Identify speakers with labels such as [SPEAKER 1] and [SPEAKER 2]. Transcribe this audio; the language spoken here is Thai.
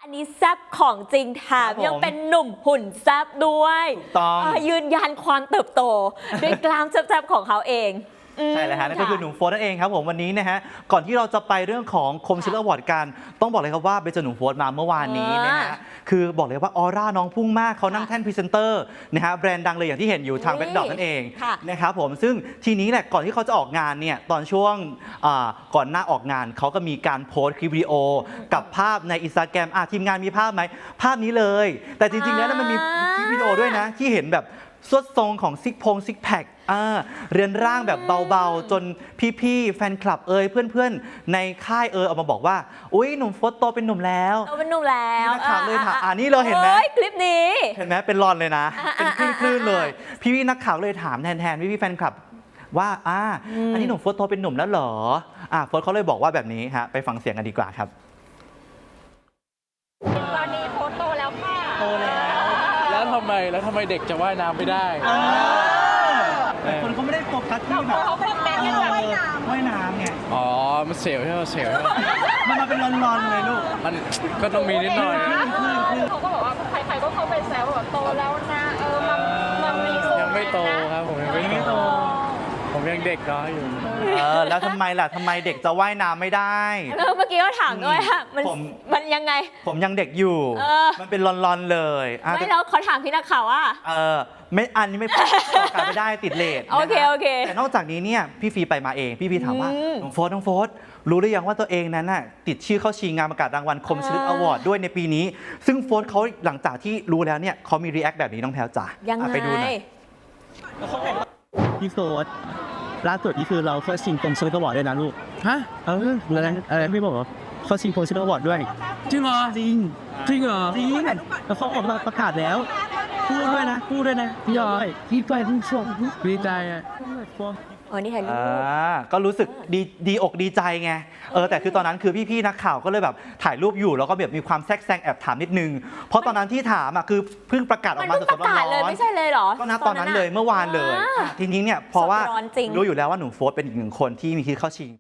[SPEAKER 1] อันนี้แซบของจริงแถมยังเป็นหนุ่มหุ่นแซบด้วย
[SPEAKER 2] ต้อง
[SPEAKER 1] ยืนยันความเติบโตด้วยกล้ามแซบๆของเขาเอง
[SPEAKER 2] ใช่เลยฮะนั่นก็คือหนุ่มโฟร์นั่นเองครับผมวันนี้นะฮะก่อนที่เราจะไปเรื่องของคมชิลอวอร์ดกันต้องบอกเลยครับว่าไปเจอหนุ่มโฟร์มาเมื่อวานนี้นะฮะคือบอกเลยว่าออร่าน้องพุ่งมากเขานั่งแท่นพรีเซนเตอร์นะฮะแบรนด์ดังเลยอย่างที่เห็นอยู่ทางแบ็คดอทนั่นเองนะครับผมซึ่งทีนี้แหละก่อนที่เขาจะออกงานเนี่ยตอนช่วงก่อนหน้าออกงานเขาก็มีการโพสต์คลิปวิดีโอกับภาพใน Instagram ทีมงานมีภาพไหมภาพนี้เลยแต่จริงๆแล้วมันมีคลิปวิดีโอด้วยนะที่เห็นแบบสวดทรงของซิกแพคเรือนร่างแบบเบาๆจนพี่ๆแฟนคลับเพื่อนๆในค่ายออกมาบอกว่าอุ๊ยหนุ่มโฟร์โตเป็นหนุ่มแล้ว
[SPEAKER 1] โตเป็นหนุ่มแล้ว
[SPEAKER 2] นักข่าวเลยถามนี่เราเห็นไหม
[SPEAKER 1] คลิปนี้
[SPEAKER 2] เห็นไหมเป็นรอนเลยนะเป็นคลื่นเลยพี่ๆนักข่าวเลยถามแทนพี่ๆแฟนคลับว่าอันนี้หนุ่มโฟร์โตเป็นหนุ่มแล้วเหรอโฟร์เขาเลยบอกว่าแบบนี้ฮะไปฟังเสียงกันดีกว่าครับ
[SPEAKER 3] ตอนนี้โฟร์โตแล้วค่ะ
[SPEAKER 2] โต
[SPEAKER 4] แล้วทำไมเด็กจะว่ายน้ำไม่ได้
[SPEAKER 2] แต่คนเขาไม่ได้โฟกัสที่แบบ
[SPEAKER 3] เขาเป็นแมน
[SPEAKER 2] ว่ายน้ำไง
[SPEAKER 4] อ๋อมันเสียวใช่ไหมเสียว
[SPEAKER 2] มันมาเป็นรอนๆเลยลูก
[SPEAKER 4] มันก็ต้องมีนิดหน่อย
[SPEAKER 3] เขาก็บอกว่าใครๆก็เข้าไปแซวแบบโตแล้วนะมันมีสูง
[SPEAKER 4] ยังไม่โตครับผมยังไม่โตผมยังเด็กน้อยอยู่
[SPEAKER 2] แล้วทำไมล่ะทำไมเด็กจะว่ายน้ำไม่ได้
[SPEAKER 1] เมื่อกี้ก็ถามด้วยมันยังไง
[SPEAKER 2] ผมยังเด็กอยู่มันเป็นรอนๆเลย
[SPEAKER 1] ไม่แล้วเขาถามพี่นักข่าวว่า
[SPEAKER 2] ไม่อันนี้ไม่การไม่ได้ติดเลท
[SPEAKER 1] โอเค
[SPEAKER 2] แต่นอกจากนี้เนี่ยพี่ฟีไปมาเองพี่ถามว่าน้องโฟร์รู้หรือยังว่าตัวเองนั้นน่ะติดชื่อเข้าชิงงานประกาศรางวัลคมชลึกอวอร์ดด้วยในปีนี้ซึ่งโฟร์เขาหลังจากที่รู้แล้วเนี่ยเขามีรีแอคแบบนี้น้องแพลวจ๋าไปดูหน่อย
[SPEAKER 5] พี่โฟร์ล่าสุดนี่คือเราเข้าชิงคมชลึกอวอร์ดด้วยนะลูก
[SPEAKER 4] ฮะ
[SPEAKER 5] อะไรพี่บอกว่าเขาชิงคมชลึกอวอร์ดด้วย
[SPEAKER 4] จริงเหรอ
[SPEAKER 5] จริงเหรอจริงแล้วเขาออกมาประกาศแล้วพูดด้วยนะพี่ยอยพี่ไปพี่ชม
[SPEAKER 4] ดีใจ
[SPEAKER 1] นี่ถ่ายรูป
[SPEAKER 2] ก็รู้สึกดีอกดีใจไงแต่คือตอนนั้นคือพี่นักข่าวก็เลยแบบถ่ายรูปอยู่แล้วก็แบบมีความแทรกแซงแอบถามนิดนึงเพราะตอนนั้นที่ถามคือเพิ่งประกาศออกมาสดๆร้อน
[SPEAKER 1] ๆไม่ใช่เลยหรอ
[SPEAKER 2] ก็นะตอนนั้นเลยเมื่อวานเลยทีนี้เนี่ยเพราะว่ารู้อยู่แล้วว่าหนุ่มโฟร์เป็นอีกหนึ่งคนที่มีคิดเข้าชิง